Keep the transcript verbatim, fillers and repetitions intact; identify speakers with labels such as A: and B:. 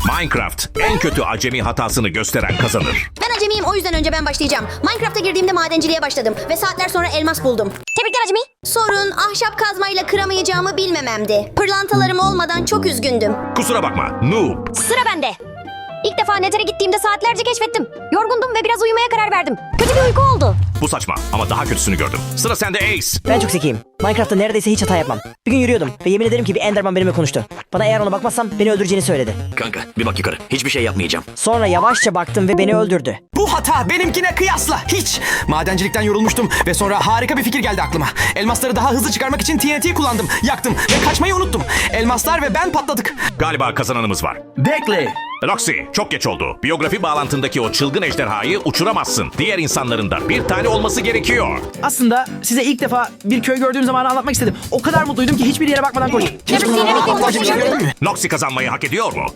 A: Minecraft en kötü acemi hatasını gösteren kazanır.
B: Ben acemiyim, o yüzden önce ben başlayacağım. Minecraft'a girdiğimde madenciliğe başladım ve saatler sonra elmas buldum. Tebrikler acemi. Sorun ahşap kazmayla kıramayacağımı bilmememdi. Pırlantalarım olmadan çok üzgündüm.
A: Kusura bakma noob.
B: Sıra bende. İlk defa Nether'e gittiğimde saatlerce keşfettim. Yorgundum ve biraz uyumaya karar verdim. Kötü bir uyku oldu.
A: Bu saçma ama daha kötüsünü gördüm. Sıra sende Ace.
C: Ben çok zekiyim. Minecraft'ta neredeyse hiç hata yapmam. Bir gün yürüyordum ve yemin ederim ki bir Enderman benimle konuştu. Bana eğer ona bakmazsam beni öldüreceğini söyledi.
D: Kanka bir bak yukarı. Hiçbir şey yapmayacağım.
C: Sonra yavaşça baktım ve beni öldürdü.
E: Bu hata benimkine kıyasla hiç. Madencilikten yorulmuştum ve sonra harika bir fikir geldi aklıma. Elmasları daha hızlı çıkarmak için T N T kullandım. Yaktım ve kaçmayı unuttum. Elmaslar ve ben patladık.
A: Galiba kazananımız var.
E: Bekle.
A: Roxy, çok geç oldu. Biyografi bağlantındaki o çılgın ejderhayı uçuramazsın. Diğer insanların da bir tane olması gerekiyor.
F: Aslında size ilk defa bir köy gördüğüm zamanı anlatmak istedim. O kadar mutluydum ki hiçbir yere bakmadan koştum.
E: Hiç bu zamana aptalca bir şey gördün mü?
A: Noxy kazanmayı hak ediyor mu?